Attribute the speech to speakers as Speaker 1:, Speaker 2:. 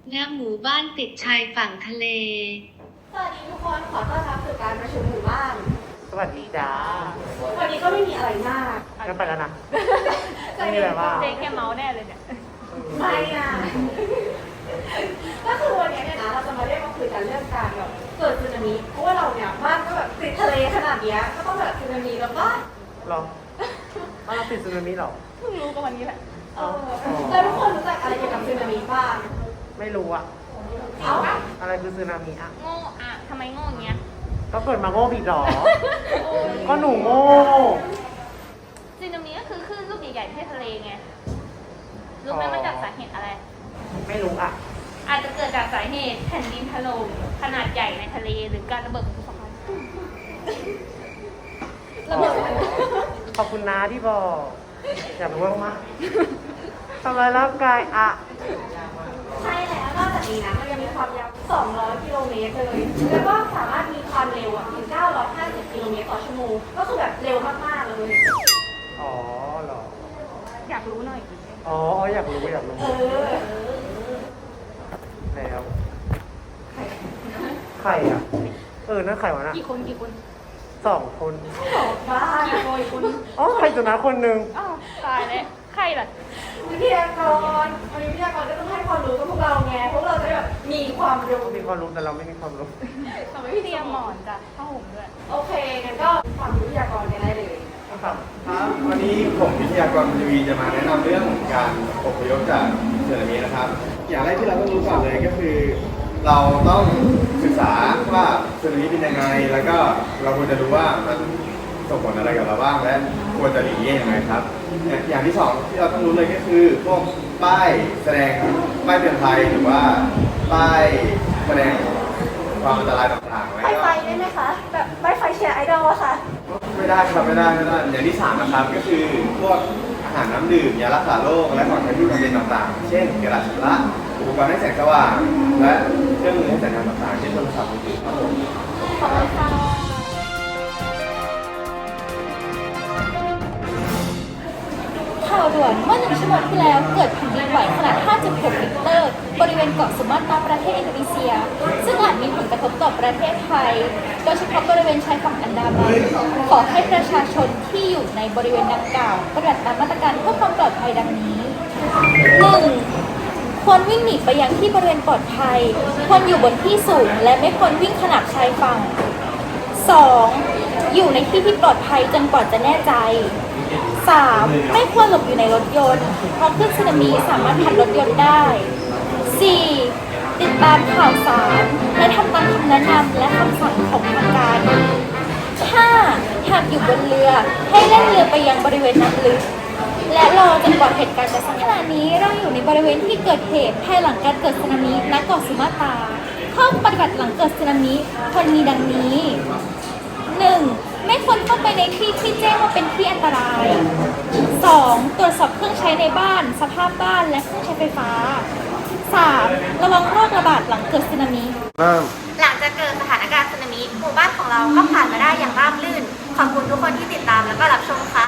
Speaker 1: ณหมู่บ้านติดชายฝั่งทะเล
Speaker 2: สวัสดีทุกคนขอต้อนรับสู่การประชุมหมู่บ้าน
Speaker 3: สวัสดีจ้า
Speaker 2: วันนี้ก็ไม่มีอะไรมาก
Speaker 3: ก็ไปแล้วนะ ไม่มีอะไรว่า
Speaker 4: เจ๊แกเมาแน่เลยเนี่ย
Speaker 2: ไม่นะก็คือวันนี้เนี่ยนะเราจะมาเรียกมาคุยกันเรื่องการแบบเกิดสึนามิเพราะว่าเราเนี่ยบ้านก็แบบติดทะเลขนาดเนี้ยก็ต้องแบบสึนามิแล้วป่ะ
Speaker 3: หรอว่าเราติดสึนามิหรอ
Speaker 4: เพิ่งรู้กันวันนี้แหละ
Speaker 2: แล้วทุกคนรู้จักอะไรเกี่ยวกับสึนามิบ้าง
Speaker 3: ไม่รู้อะ
Speaker 2: เอ้า
Speaker 3: อะไรคือสึนามิอะ
Speaker 4: โง่อะทำไมโง่อย่างเงี้ย
Speaker 3: ก็เกิดมาโง่ผิดหรอ ก็หนูโง่
Speaker 4: สึนามิก็คือคลื่นลูกใหญ่ๆที่ทะเลไง รู้ไหมมันจากสาเหตุอะไร
Speaker 3: ไม่รู้อะ
Speaker 4: อาจจะเกิดจากสาเหตุแผ่นดินถล่มขนาดใหญ่ในทะเลหรือการระเบิดของภูเขาไฟ
Speaker 3: อ๋อขอบคุณนะที่บอก อยากรู้มากๆทำลายร่างกายอะ
Speaker 2: ใช่แล้วนอกจากนี้นะมันยังมีความยาว 200 กิโลเมตรเลย แล้วก็สามารถมีความเร็วถึง 950 กิโลเมตรต่อชั่วโมง ก็คือแบบเร็วมากๆเลย
Speaker 3: อ๋อเหรอ
Speaker 4: อยากรู้หน่อย
Speaker 3: อ๋ออยากรู้อยากรู้
Speaker 2: เออ
Speaker 3: แล้วใครอะนั่นใครวะน่ะ
Speaker 4: กี่คนกี่คน
Speaker 3: 2 คน
Speaker 2: บ้า
Speaker 4: กี่คนคุณ
Speaker 3: อ๋อใครสุนัขคนหนึ่ง
Speaker 4: อ้าวตายแล้วใครล่ะ
Speaker 2: วิทยากรวันนี้วิทยากรก็ต้องให้ความรู้กับพวกเราไง พวกเราจะได้แบบมีความรู้
Speaker 3: มีความรู้แต่เราไม่มีความรู้
Speaker 4: เราไม่เตรียมหมอนจ้ะผ้าห่มด้วย
Speaker 2: โอเคงั้นก็ความรู้วิทยากรกันได้เลย
Speaker 5: ครับวันนี้ผมวิทยากรทีวีจะมาแนะนำเรื่องการอพยพจากสึนามินะครับ อย่างแรกที่เราต้องรู้ก่อนเลยก็คือ เราต้องศึกษาว่าสึนามิเป็นยังไง แล้วก็เราควรจะรู้ว่ามันส่งผลอะไรกับเราบ้างและควรจะหลีกเลี่ยงยังไงครับ อย่างที่สองที่เราต้องรู้เลยก็คือพวกป้ายแสดงป้ายเตือนภัยหรือว่าป้ายแสดงความอันตรายต่างๆ
Speaker 2: ไฟได้ไหมคะ แบบไม่ไฟแชร์ไอดอลอะค่ะ
Speaker 5: ไม่ได้ครับไม่ได้อย่างที่สามนะครับก็คือพวกอาหารน้ำดื่มยารักษาโรคและของใช้ที่จำเป็นต่างๆ เช่นกระดาษชำระอุปกรณ์ให้แสงสว่างและเครื่องมือให้สัญญาณต่างๆเช่นโทรศัพท์มือถือครับผม
Speaker 2: ขอบคุณค่ะ
Speaker 6: ข่าวด่วนเมื่อ1 ชั่วโมงที่แล้วเกิดแผ่นดินไหวขนาด 5.6 ริกเตอร์ บริเวณเกาะสุมาตราประเทศอินโดนีเซีย ซึ่งอาจมีผลกระทบต่อประเทศไทย โดยเฉพาะบริเวณชายฝั่งอันดามัน ขอให้ประชาชนที่อยู่ในบริเวณดังกล่าวปฏิบัติตามมาตรการเพื่อความปลอดภัยดังนี้ 1. ควรวิ่งหนีไปยังที่บริเวณปลอดภัย ควรอยู่บนที่สูง และไม่ควรวิ่งขนาบชายฝั่ง 2. อยู่ในที่ที่ปลอดภัยจนกว่าจะแน่ใจ 3. ไม่ควรหลบอยู่ในรถยนต์ เพราะคลื่นสึนามิสามารถพัดรถยนต์ได้ 4. ติดตามข่าวสาร และทำตามคำแนะนำและคำสั่งของทางการ 5. หากอยู่บนเรือให้แล่นเรือไปยังบริเวณน้ำลึก และรอจนกว่าเหตุการณ์จะสิ้นขณะนี้เราอยู่ในบริเวณที่เกิดเหตุภายหลังการเกิดสึนามิณเกาะสุมาตราข้อปฏิบัติหลังเกิดสึนามิควรมีดังนี้ 1. ไม่ควรเข้าไปในที่ที่แจ้งว่าเป็นที่อันตราย 2. ตรวจสอบเครื่องใช้ในบ้าน สภาพบ้านและเครื่องใช้ไฟฟ้า 3. ระวังโรคระบาดหลังเกิดสึนามิ
Speaker 7: หลังจากเกิดสถานการณ์สึนามิหมู่บ้านของเราก็ผ่านมาได้อย่างราบรื่น ขอบคุณทุกคนที่ติดตามและก็รับชมค่ะ